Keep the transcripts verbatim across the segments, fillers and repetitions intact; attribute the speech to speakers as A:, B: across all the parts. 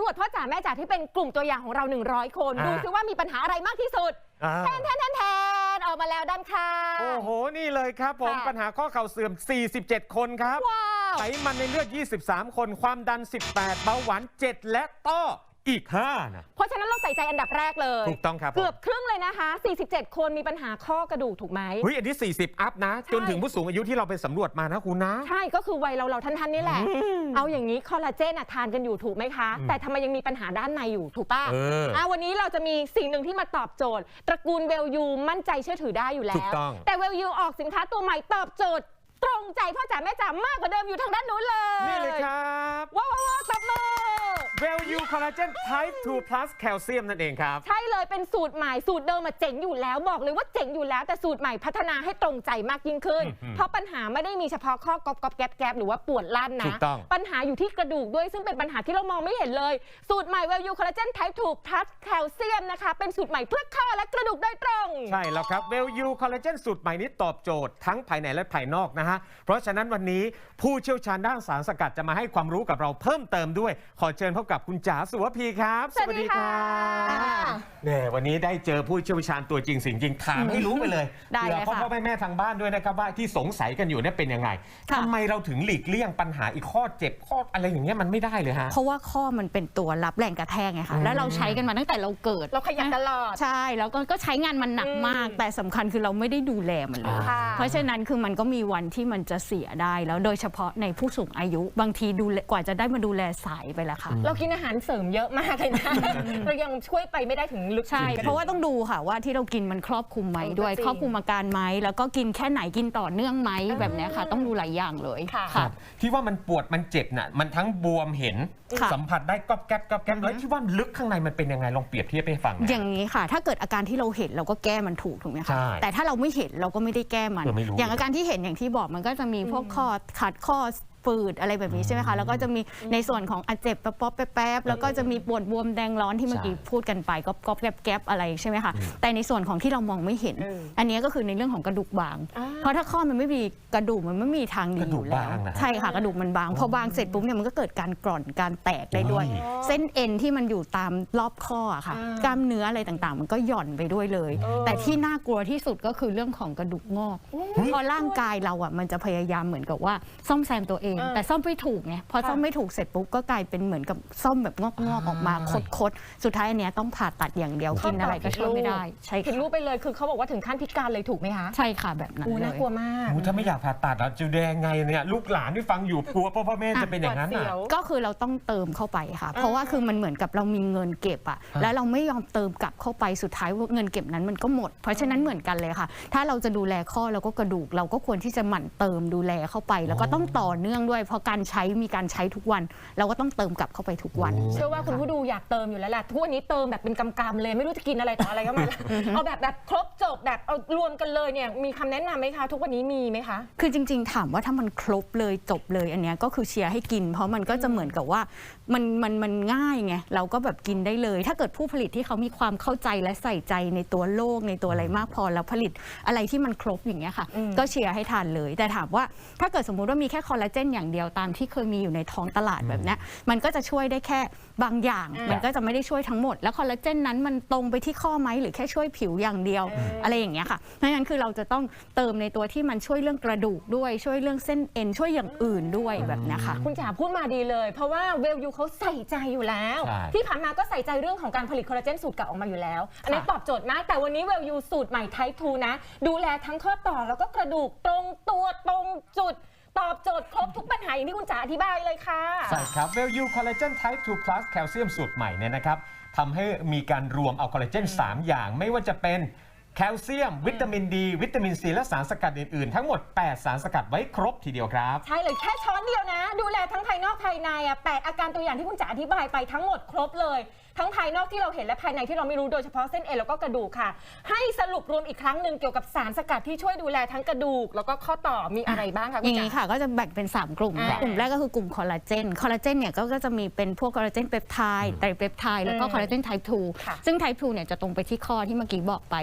A: วจพ่อจ๋าแม่จ๋าที่เป็นกลุ่มตัวอย่างของเราหนึ่งร้อยคนดูซิว่ามีปัญหาอะไรมากที่สุดแทนแทนแทนแทนออกมาแล้วด้านข้าง
B: โอ้โหนี่เลยครับผมปัญหาข้อเข่าเสื่อมสี่สิบเจ็ดคนครับไขมันในเลือดยี่สิบสามคนความดันสิบแปดเบาหวานเจ็ดและต้ออีกห้านะ
A: เพราะฉะนั้นเราใส่ใจอันดับแรกเลย
B: ถูกต้องครับ
A: เกือบครึ่งเลยนะคะสี่สิบเจ็ดคนมีปัญหาข้อกระดูกถูกไหม
B: เฮ้ยอันนี้สี่สิบอัพนะจนถึงผู้สูงอายุที่เราไปสำรวจมานะคุณนะ
A: ใช่ก็คือวัยเราเราท่านๆนี่แหละเอาอย่างนี้คอลลาเจนทานกันอยู่ถูกไหมคะแต่ทำไมยังมีปัญหาด้านในอยู่ถูกป่ะอ่ะวันนี้เราจะมีสิ่งหนึ่งที่มาตอบโจทย์ตระกูลเวลยูมั่นใจเชื่อถือได้อยู่แล้วแต่เวลยูออกสินค้าตัวใหม่ตอบโจทย์ตรงใจพ่อจ๋าแม่จ๋ามากกว่าเดิมอยู่ทางด้านนู้นเลย
B: นี่เลยครับ
A: ว้าวว้าวตบมือ
B: เวลยูคอลลาเจน Type ทู plus แคลเซียมนั่นเองครับ
A: ใช่เลยเป็นสูตรใหม่สูตรเดิมมาเจ๋งอยู่แล้วบอกเลยว่าเจ๋งอยู่แล้วแต่สูตรใหม่พัฒนาให้ตรงใจมากยิ่งขึ้นเพราะปัญหาไม่ได้มีเฉพาะข้อกอบกอบแกบแกบหรือว่าปวดลั่นนะปัญหาอยู่ที่กระดูกด้วยซึ่งเป็นปัญหาที่เรามองไม่เห็นเลยสูตรใหม่เวลยูคอลลาเจน Type ทู plus แคลเซียมนะคะเป็นสูตรใหม่เพื่อข้อและกระดูกโดยตรง
B: ใช่แล้วครับเวลยูคอลลาเจนสูตรใหม่นี้ตอบโจทย์ทั้งภายในและภายนอกนะฮะเพราะฉะนั้นวันนี้ผู้เชี่ยวชาญด้านสารสกัดจะมาให้ความรู้กับเราเพิ่มเติมด้วยขอเชิญพบกับคุณจ๋าสุวพีครับ
A: สวัสดีครับ
B: เนี่ยวันนี้ได้เจอผู้เชี่ยวชาญตัวจริงสิ่งจริงถามให้รู้ไปเลยเผื่อพ่อพ่อแม่แม่ทางบ้านด้วยนะครับว่าที่สงสัยกันอยู่เนี่ยเป็นยังไงทำไมเราถึงหลีกเลี่ยงปัญหาอีกข้อเจ็บข้ออะไรอย่างเงี้ยมันไม่ได้เลยฮะ
C: เพราะว่าข้อมันเป็นตัวรับแรงกระแทกไงคะแล้วเราใช้กันมาตั้งแต่เราเกิด
A: เราขยันตลอด
C: ใช่แล้วก็ใช้งานมันหนักมากแต่สำคัญคือเราไม่ได้ดูแลมันเลยเพราะฉะนั้นคือมันก็มีวันที่มันจะเสียได้แล้วโดยเฉพาะในผู้สูงอายุบางทีดูกว่าจะได้มาดูแลสายไปแล้วค่ะ
A: เรากินอาหารเสริมเยอะมากเลยนะเรายังช่วยไปไม่ได้ถึงลึก
C: ใช่เพราะว่าต้องดูค่ะว่าที่เรากินมันครอบคลุมไหมด้วยครอบคลุมอาการไหมแล้วก็กินแค่ไหนกินต่อเนื่องไหมแบบนี้ค่ะต้องดูหลายอย่างเลย
B: ค่ะที่ว่ามันปวดมันเจ็บน่ะมันทั้งบวมเห็นสัมผัสได้ก๊อบแก๊บก๊อบแก๊บแล้วที่ว่าลึกข้างในมันเป็นยังไงลองเปรียบเทียบให้ฟัง
C: อย่างนี้ค่ะถ้าเกิดอาการที่เราเห็นเราก็แก้มันถูกถูกไหมคะแต่ถ้าเราไม่เห็นเราก็ไม่ได้แก้มันอย่างอาการที่เห็นอย่างที่บอกมันก็จะมีพวกข้อขัดข้อฝืดอะไรแบบนี้ใช่ไหมคะแล้วก็จะมีในส่วนของอาเจ็บป๊อปแป๊บแล้วก็จะมีปวดบวมแดงร้อนที่เมื่อกี้พูดกันไปก็ก๊อบแก๊บแก๊บอะไรใช่ไหมคะแต่ในส่วนของที่เรามองไม่เห็นอันนี้ก็คือในเรื่องของกระดูกบางเพราะถ้าข้อมันไม่มีกระดูกมันไม่มีทางดีอยู่แล้วใช่ค่ะกระดูกมันบางพอบางเสร็จปุ๊บเนี่ยมันก็เกิดการกร่อนการแตกได้ด้วยเส้นเอ็นที่มันอยู่ตามรอบข้อค่ะกล้ามเนื้ออะไรต่างๆมันก็หย่อนไปด้วยเลยแต่ที่น่ากลัวที่สุดก็คือเรื่องของกระดูกงอกพอร่างกายเราอ่ะมันจะพยายามเหมือนกับว่าซ่อมแซมตัวเองแต่ซ่อมไม่ถูกไงพอซ่อมไม่ถูกเสร็จปุ๊บก็กลายเป็นเหมือนกับซ่อมแบบงอกๆออกมาคดๆสุดท้ายอันเนี้ยต้องผ่าตัดอย่างเดียวกินอะไรก็ช่วยไม่ได้ใช่
A: เห็นรูปไปเลยคือเขาบอกว่าถึงขั้นพิการเลยถูกไหมคะ
C: ใช่ค่ะแบบนั้นเลย
A: น่ากลัวมาก
B: ถ้าไม่อยากผ่าตัดแล้วจะแดงไงเนี่ยลูกหลานที่ฟังอยู่กลัวพ่อพ่อแม่จะเป็นอย่างนั้น
C: ก็คือเราต้องเติมเข้าไปค่ะเพราะว่าคือมันเหมือนกับเรามีเงินเก็บอะแล้วเราไม่ยอมเติมกลับเข้าไปสุดท้ายเงินเก็บนั้นมันก็หมดเพราะฉะนั้นเหมือนกันเลยค่ะถ้าเราจะดูแลข้อแล้วก็กระดูกเราก็ควรที่จะหมั่นเติมดูแลเข้าไปแล้วก็ต้องต่อเนื่องด้วยเพราะการใช้มีการใช้ทุกวันเราก็ต้องเติมกลับเข้าไปทุกวัน
A: เชื่อว่าคุณผู้ดูอยากเติมอยู่แล้วแหละทุกวันนี้เติมแบบเป็นกำๆเลยไม่รู้จะกินอะไรต่ออะไรก็มาเอาแบบแบบครบจบแบบเอารวมกันเลยเนี่ยมีคำแนะนำไหมคะทุกวันนี้มีไหมคะ
C: คือจริงๆถามว่าถ้ามันครบเลยจบเลยอันนี้ก็คือเชียร์ให้กินเพราะมันก็จะเหมือนกับว่ามันมันมันง่ายไงเราก็แบบกินได้เลยถ้าเกิดผู้ผลิตที่เขามีความเข้าใจและใส่ใจในตัวโลกในตัวอะไรมากพอแล้วผลิตอะไรที่มันครบอย่างเงี้ยค่ะก็เชียร์ให้ทานเลยแต่ถามว่าถ้าเกิดสมมุติว่ามีแค่คอลลาเจนอย่างเดียวตามที่เคยมีอยู่ในท้องตลาดแบบนี้มันก็จะช่วยได้แค่บางอย่างมันก็จะไม่ได้ช่วยทั้งหมดแล้วคอลลาเจนนั้นมันตรงไปที่ข้อไหมหรือแค่ช่วยผิวอย่างเดียวอะไรอย่างเงี้ยค่ะเพราะฉะนั้นคือเราจะต้องเติมในตัวที่มันช่วยเรื่องกระดูกด้วยช่วยเรื่องเส้นเอ็นช่วยอย่างอื่นด้วยแบบนี้ค่ะ
A: คุณจ๋าพูดมาดีเลยเพราะว่าเวลยูเขาใส่ใจอยู่แล้วที่ผ่านมาก็ใส่ใจเรื่องของการผลิตคอลลาเจนสูตรเก่าออกมาอยู่แล้วอันนี้ตอบโจทย์มากแต่วันนี้เวลยูสูตรใหม่ Type ทูนะดูแลทั้งข้อต่อแล้วก็กระดูกตรงตัวตรงจุดตอบโจทย์ครบทุกปัญหาอย่างที่คุณจ๋าอธิบายเลยค่ะ
B: ใช่ครับเวลยูคอลลาเจน Type ทู plus แคลเซียมสูตรใหม่เนี่ยนะครับทำให้มีการรวมเอาคอลลาเจนสามอย่างไม่ว่าจะเป็นแคลเซียมวิตามินดีวิตามินซีและสารสกัดอื่นๆทั้งหมดแปดสารสกัดไว้ครบทีเดียวครับ
A: ใช่เลยแค่ช้อนเดียวนะดูแลทั้งภายนอกภายในอ่ะแปดอาการตัวอย่างที่คุณจ๋าอธิบายไปทั้งหมดครบเลยทั้งภายนอกที่เราเห็นและภายในที่เราไม่รู้โดยเฉพาะเส้นเอ็นแล้วก็กระดูกค่ะให้สรุปรวมอีกครั้งหนึ่งเกี่ยวกับสารสกัดที่ช่วยดูแลทั้งกระดูกแล้วก็ข้อต่อมีอะไรบ้างคะ
C: อย่างนี้ค่ะก็จะแบ่งเป็นสามกลุ่มกลุ่มแรกก็คือกลุ่มคอลลาเจนคอลลาเจนเนี่ยก็จะมีเป็นพวกคอลลาเจนเปปไทด์ไตรเปปไทด์แล้วก็คอลลาเจน Type ทูซึ่ง Type ทูเนี่ยจะตรงไปที่ข้อที่เมื่อกี้บอกไปมันจะไม่ได้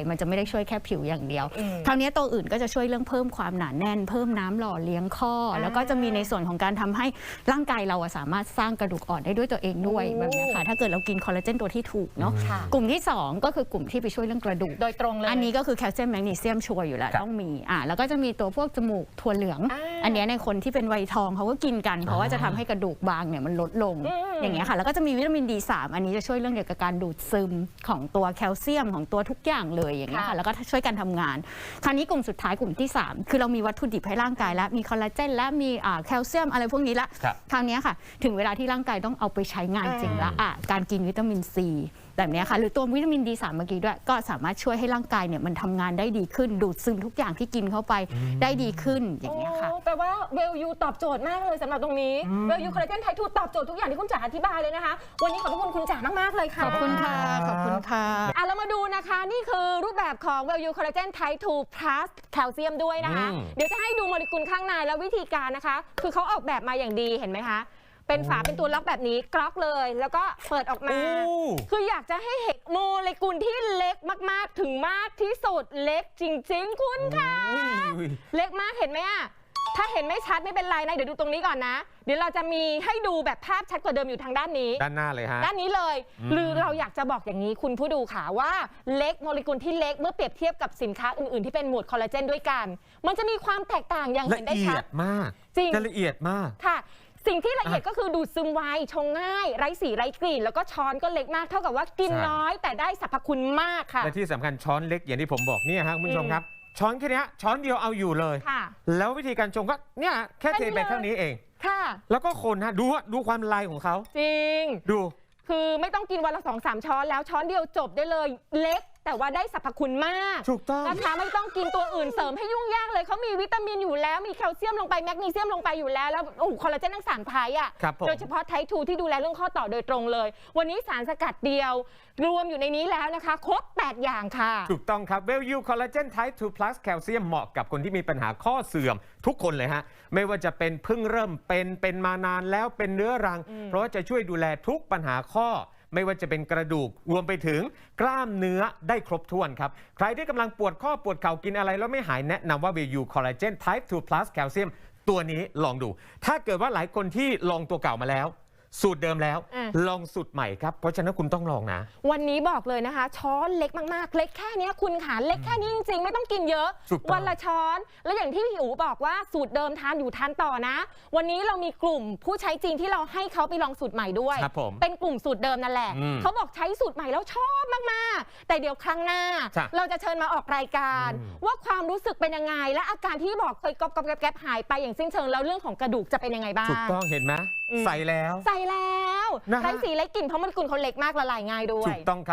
C: ได้ช่วยแค่ผิวอย่างเดียวคราวนี้ตัวอื่นก็จะช่วยเรื่องเพิ่มความหนาแน่นเพิ่มน้ำหล่อเลี้ยงข้อแล้วก็จะมีในส่วนของการทำให้ร่างกายเราสามารถสร้างกระดูกอ่อนได้ด้วยตัวเองด้วยแบบนี้ค่ะถ้าเกิดเรากินคอลลาเจนตัวที่ถูกเนาะกลุ่มที่สองก็คือกลุ่มที่ไปช่วยเรื่องกระดูก
A: โดยตรงเลย
C: อันนี้ก็คือแคลเซียมแมกนีเซียมชัวร์อยู่แล้วต้องมีอ่าแล้วก็จะมีตัวพวกจมูกถั่วเหลืองอันนี้ในคนที่เป็นวัยทองเขาก็กินกันเพราะว่าจะทำให้กระดูกบางเนี่ยมันลดลงอย่างเงี้ยค่ะแล้วก็จะมีวิตามิน ดี สาม อันนี้จะช่วยเรื่องเกี่ยวกับการดูดซึมของตัวแคลเซียมของตัวทุกอย่างเลยอย่างเงี้ยค่ะแล้วก็ช่วยกันทำงานคราวนี้กลุ่มสุดท้ายกลุ่มที่สามคือเรามีวัตถุดิบให้ร่างกายแล้วมีคอลลาเจนและมีแคลเซียมอะไรพวกนี้ละคราวนี้ค่ะถึงเวลาที่ร่างกายต้องเอาไปใช้งานจริงละอ่ะการกินวิตามินซีแบบนี้ค่ะหรือตัววิตามิน ดี สาม เมื่อกี้ด้วยก็สามารถช่วยให้ร่างกายเนี่ยมันทำงานได้ดีขึ้นดูดซึมทุกอย่างที่กินเข้าไปได้ดีขึ้นอย่างเงี้ยค่ะ
A: แปลว่าเวลยูตอบโจทย์มากเลยสำหรับตรงนี้เวลยูคอลลาเจนไททูตอบโจทย์ทุกอย่างที่คุณจ๋าอธิบายเลยนะคะวันนี้ขอบคุณคุณจ๋ามากๆเลยค่ะ
C: ขอบคุณค่ะขอบคุณค่ะ
A: อ่ะเรามาดูนะคะนี่คือรูปแบบของเวลยูคอลลาเจนไททูพลัสแคลเซียมด้วยนะคะเดี๋ยวจะให้ดูโมเลกุลข้างในแล้ววิธีการนะคะคือเขาออกแบบมาอย่างดีเห็นไหมคะเป็นฝาเป็นตัวล็อกแบบนี้กล็อกเลยแล้วก็เปิดออกมาคืออยากจะให้เห็นโมเลกุลที่เล็กมากๆถึงมากที่สุดเล็กจริงๆคุณค่ะเล็กมากเห็นไหมอะถ้าเห็นไม่ชัดไม่เป็นไรนะเดี๋ยวดูตรงนี้ก่อนนะเดี๋ยวเราจะมีให้ดูแบบภาพชัดกว่าเดิมอยู่ทางด้านนี้
B: ด้านหน้าเลยฮะ
A: ด้านนี้เลยหรือเราอยากจะบอกอย่างนี้คุณผู้ดูค่ะว่าเล็กโมเลกุลที่เล็กเมื่อเปรียบเทียบกับสินค้าอื่นๆที่เป็นหมวดคอลลาเจนด้วยกันมันจะมีความแตกต่างอย่างเห็นได้ชัด
B: ละเอียดมาก
A: จริง
B: ละเอียดมาก
A: ค่ะสิ่งที่ละเอียดก็คือดูดซึมไวชงง่ายไร้สีไร้กลิ่นแล้วก็ช้อนก็เล็กมากเท่ากับว่ากินน้อยแต่ได้สรรพคุณมากค่ะ
B: และที่สำคัญช้อนเล็กอย่างที่ผมบอกเนี่ยฮะคุณผู้ชมครับช้อนแค่นี้ช้อนเดียวเอาอยู่เลยแล้ววิธีการชงก็เนี่ยแค่เทไปเท่านี้เอง
A: ค่ะ
B: แล้วก็คนฮะดูดูความลายของเขา
A: จริง
B: ดู
A: คือไม่ต้องกินวันละสองสามช้อนแล้วช้อนเดียวจบได้เลยเล็กแต่ว่าได้สรรพคุณมาก
B: ถูกต้อง
A: นะคะไม่ต้องกินตัวอื่นเสริมให้ยุ่งยากเลยเขามีวิตามินอยู่แล้วมีแคลเซียมลงไปแมกนีเซียมลงไปอยู่แล้วแล้วโอ้คอลลาเจนทั้งสามไทป์อ่ะโดยเฉพาะไทป์ทูที่ดูแลเรื่องข้อต่อโดยตรงเลยวันนี้สารสกัดเดียวรวมอยู่ในนี้แล้วนะคะครบแปดอย่างค่ะ
B: ถูกต้องครับเวลยูคอลลาเจนไทป์ทูพลัสแคลเซียมเหมาะกับคนที่มีปัญหาข้อเสื่อมทุกคนเลยฮะไม่ว่าจะเป็นเพิ่งเริ่มเป็นเป็นมานานแล้วเป็นเนื้อรังเพราะจะช่วยดูแลทุกปัญหาข้อไม่ว่าจะเป็นกระดูกรวมไปถึงกล้ามเนื้อได้ครบถ้วนครับใครที่กำลังปวดข้อปวดเข่ากินอะไรแล้วไม่หายแนะนำว่า เวลยู Collagen Type ทู Plus Calcium ตัวนี้ลองดูถ้าเกิดว่าหลายคนที่ลองตัวเก่ามาแล้วสูตรเดิมแล้วลองสูตรใหม่ครับเพราะฉะนั้นคุณต้องลองนะ
A: วันนี้บอกเลยนะคะช้อนเล็กมากๆเล็กแค่นี้คุณขาเล็กแค่นี้จริงๆไม่ต้องกินเยอะวันละช้อนแล้วอย่างที่พี่อู๋บอกว่าสูตรเดิมทานอยู่ทานต่อนะวันนี้เรามีกลุ่มผู้ใช้จริงที่เราให้เขาไปลองสูตรใหม่ด้วยเป็นกลุ่มสูตรเดิมนั่นแหละเขาบอกใช้สูตรใหม่แล้วชอบมากๆแต่เดี๋ยวครั้งหน้าเราจะเชิญมาออกรายการว่าความรู้สึกเป็นยังไงและอาการที่บอกเคยก๊อบก๊อบแก๊บหายไปอย่างสิ้นเชิงแล้วเรื่องของกระดูกจะเป็นยังไงบ้าง
B: ถูกต้องเห็นไหมใส่แล้ว
A: ใส่แล้วไร้สีไร้กลิ่นเพราะมันกุลเขาเล็กมากละลายง่ายด้วย
B: ถูกต้องครับ